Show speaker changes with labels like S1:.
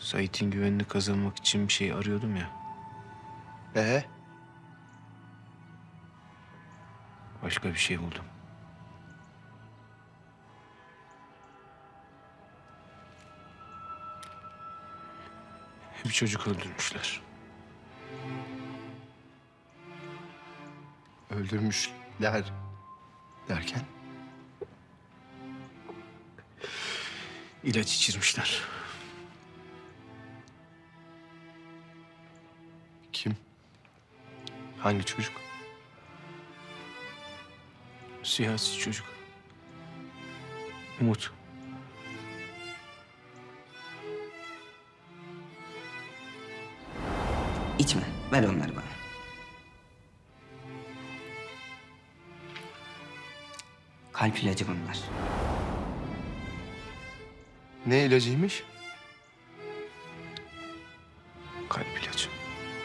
S1: Sait'in güvenini kazanmak için bir şey arıyordum ya.
S2: Ee?
S1: Başka bir şey buldum. Bir çocuk öldürmüşler.
S2: Öldürmüşler derken?
S1: İlaç içirmişler.
S2: Kim? Hangi çocuk?
S1: Siyasi çocuk. Umut.
S3: İçme. Ver onları bana. Kalp ilacı bunlar.
S2: Ne ilacıymış?
S1: Kalp ilacı.